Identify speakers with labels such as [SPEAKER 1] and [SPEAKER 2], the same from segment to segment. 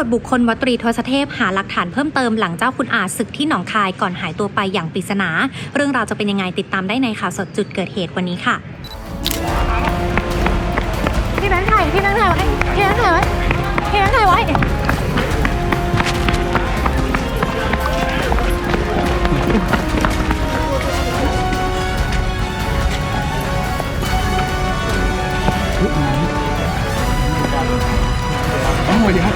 [SPEAKER 1] จบุคคลวัดตรีทศเทพหาหลักฐานเพิ่มเติมหลังเจ้าคุณอาศึกที่หนองคายก่อนหายตัวไปอย่างปริศนาเรื่องราวจะเป็นยังไงติดตามได้ในข่าวสดจุดเกิดเหตุวันนี้ค่ะพี่แบงค์ถ่ายไว้พี่แบงค์ถ่ายไว้
[SPEAKER 2] สวัสดีครับ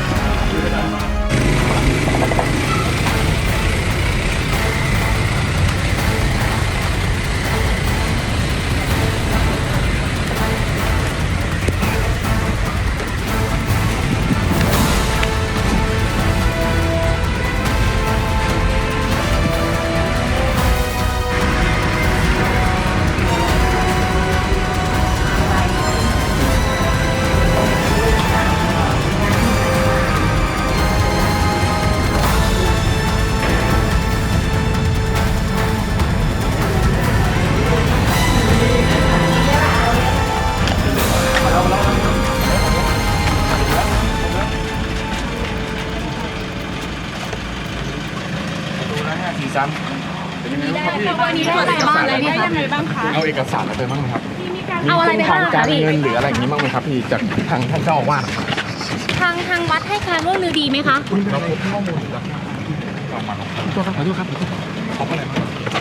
[SPEAKER 2] ซ้ำเป็นยังไงบ้างครับพี่
[SPEAKER 3] วันนี้ได้อะไรบ้างอะไรได้ยังไงบ้างคะ
[SPEAKER 2] เอาเอกสารอะไรไปบ้างไหมครับ
[SPEAKER 1] เอาอะไรไปบ้าง
[SPEAKER 2] ทางการเงินหรืออะไรอย่างนี้บ้างไหมครับพี่จากทางท่านเจ้าอาวาส
[SPEAKER 1] ทางวัดให้การร่วมมือดีไหมคะ
[SPEAKER 2] เราพบข้อมูลจากขอโทษครับขอบอะไรบ้าง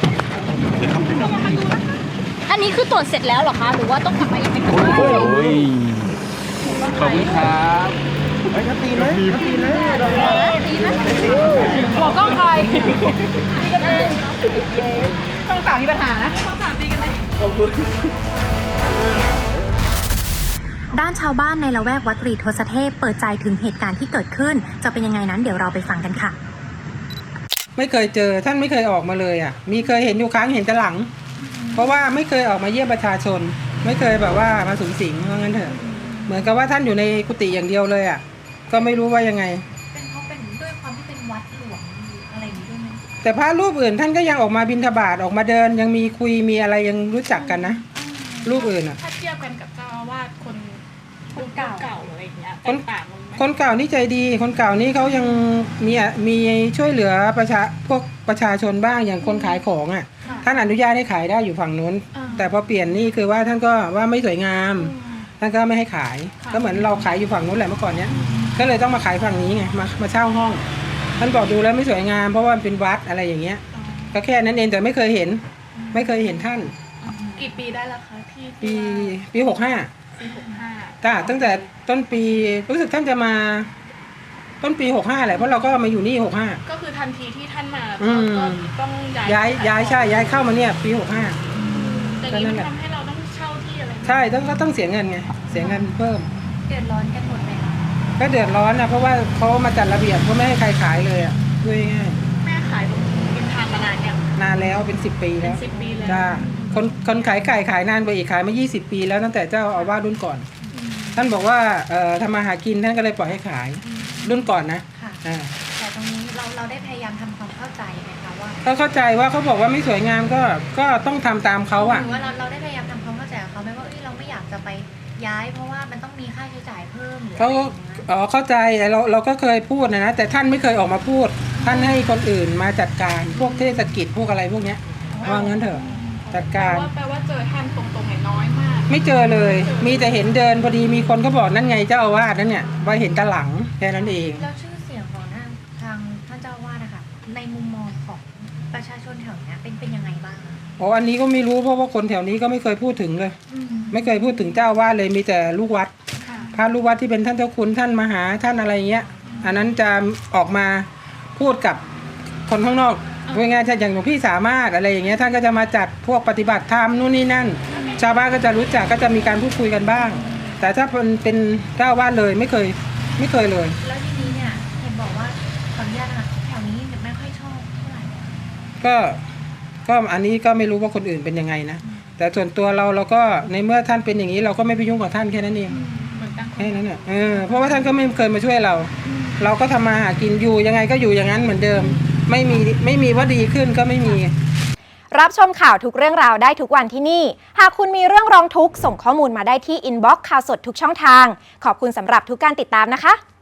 [SPEAKER 1] อันนี้คือตรวจเสร็จแล้วหรอคะหรือว่าต้องกลับมาอีกไหมคะ
[SPEAKER 2] โอ้ยขอบคุณครับไอ้ตีไหมตีไหม
[SPEAKER 3] หัวกล้องใครตีกันเองต้องสามมีปัญหานะต้องสามตีกันเลย
[SPEAKER 1] ด้านชาวบ้านในละแวกวัดตรีทศเทพเปิดใจถึงเหตุการณ์ที่เกิดขึ้นจะเป็นยังไงนั้นเดี๋ยวเราไปฟังกันค่ะ
[SPEAKER 4] ไม่เคยเจอท่านไม่เคยออกมาเลยมีเคยเห็นอยู่ครั้งเห็นแต่หลังเพราะว่าไม่เคยออกมาเยี่ยมประชาชนไม่เคยแบบว่ามาสุงสิงเพราะงั้นเถอะเหมือนกับว่าท่านอยู่ในกุฏิอย่างเดียวเลยก็ไม่รู้ว่ายังไง
[SPEAKER 1] เป็นเพราะเป็นด้วยความที่เป็นวัดหลวงอะไรอย่างนี้ด้วยไหม
[SPEAKER 4] แต่พระรูปอื่นท่านก็ยังออกมาบิณฑบาตออกมาเดินยังมีคุยมีอะไรยังรู้จักกันนะรูปอื่น
[SPEAKER 3] ถ้าเทียบกันกับเจ้าอาวาสคนเก่าอะไรอย่างเงี้ยต่างๆ
[SPEAKER 4] คนเก่านี่ใจดีคนเก่านี่เขายังมีช่วยเหลือพวกประชาชนบ้างอย่างคนขายของท่านอนุญาตให้ขายได้อยู่ฝั่งนู้นแต่พอเปลี่ยนนี่คือว่าท่านก็ว่าไม่สวยงามท่านก็ไม่ให้ขายก็เหมือนเราขายอยู่ฝั่งนู้นแหละเมื่อก่อนเนี้ยก็เลยต้องมาขายฝั่งนี้ไงมาเช่าห้องท่านบอกดูแล้วไม่สวยงามเพราะว่าเป็นวัดอะไรอย่างเงี้ยก็แค่นั้นเองแต่ไม่เคยเห็นท่าน
[SPEAKER 3] กี่ปีได้แล้วคะที่
[SPEAKER 4] ปี65จ้าตั้งแต่ต้นปีรู้สึกท่านจะมาต้นปี65แหละเพราะเราก็มาอยู่นี่65
[SPEAKER 3] ก็คือทันทีที่ท่านมาก็ต้องย้
[SPEAKER 4] ายเข้ามาเนี่ยปี65
[SPEAKER 3] แต่นี้ทำให้เราต้องเช่าที่อะไร
[SPEAKER 4] ใช่ต้องเสียเงินไงเสียเงินเพิ่ม
[SPEAKER 1] เดือดร้อนกันหมดไหมคะ
[SPEAKER 4] ก็เดือดร้อนเพราะว่าเขามาจัดระเบียบเขาไม่ให้ใครขายเลยด้วยง่าย
[SPEAKER 3] แม่ขายตรงริมทางมานานยัง
[SPEAKER 4] นานแล้วเป็น10 ปีแล้ว
[SPEAKER 3] 10 ปีแล้ว
[SPEAKER 4] จ้าคนขายไก่ขายนานกว่าอีกขายมา20 ปีแล้วตั้งแต่เจ้าอาวาสรุ่นก่อนท่านบอกว่าทำมาหากินท่านก็เลยปล่อยให้ขายรุ่นก่อนนะ
[SPEAKER 1] แต่ตรงนี้เราได้พยายามทำความเข้าใจไหมคะว่า
[SPEAKER 4] ก็เข้าใจว่าเขาบอกว่าไม่สวยงามก็ต้องทำตามเขา
[SPEAKER 1] หรือว่าเราได้พยายามทำความเข้าใจกับเขาไหมว่าเราไม่อยากจะไปย้ายเพราะว่ามันต้องมีค่าใช้จ่ายเพิ่ม
[SPEAKER 4] เขาเข้าใจเราก็เคยพูดนะแต่ท่านไม่เคยออกมาพูดท่านให้คนอื่นมาจัดการพวกเทศกิจพวกอะไรพวกเนี้ยว่างั้นเถอะจัดการ
[SPEAKER 3] แปลว่าเจอท่านตรงๆน้อยมาก
[SPEAKER 4] ไม่เจอเลยมีแต่เห็นเดินพอดีมีคนเขาบอกนั่นไงเจ้าอาวาสนั่นเนี่ยว่าเห็นตาหลังแค่นั้นเอง
[SPEAKER 1] แล้วชื่อเสียงของทางท่านเจ้าอาวาสนะคะในมุมมองของประชาชนแถวนี้เป็นยังไงบ้าง
[SPEAKER 4] อันนี้ก็ไม่รู้เพราะว่าคนแถวนี้ก็ไม่เคยพูดถึงเลยไม่เคยพูดถึงเจ้าอาวาสเลยมีแต่ลูกวัดพระลูกวัดที่เป็นท่านเจ้าคุณท่านมหาท่านอะไรเงี้ยอันนั้นจะออกมาพูดกับคนข้างนอกพูดง่ายๆอย่างหลวงพี่สามารถอะไรอย่างเงี้ยท่านก็จะมาจัดพวกปฏิบัติธรรมนู่นนี่นั่นชาวบ้านก็จะรู้จักก็จะมีการพูดคุยกันบ้างแต่ถ้าเป็นเจ้าอาวาสเลยไม่เคยเลย
[SPEAKER 1] แล้วทีนี้เนี่ยเห็นบอกว่าขออนุญาตนะคะแถวนี้ไม่ค่อยชอบเท่าไหร่
[SPEAKER 4] ก็อันนี้ก็ไม่รู้ว่าคนอื่นเป็นยังไงนะแต่ส่วนตัวเราก็ในเมื่อท่านเป็นอย่างนี้เราก็ไม่ไปยุ่งกับท่านแค่นั้นเองแค่นั้นเนี่ยเพราะว่าท่านก็ไม่เคยมาช่วยเราก็ทำมาหากินอยู่ยังไงก็อยู่อย่างนั้นเหมือนเดิมไม่มีว่าดีขึ้นก็ไม่มี
[SPEAKER 5] รับชมข่าวทุกเรื่องราวได้ทุกวันที่นี่หากคุณมีเรื่องร้องทุกข์ส่งข้อมูลมาได้ที่อินบ็อกซ์ข่าวสดทุกช่องทางขอบคุณสำหรับทุกการติดตามนะคะ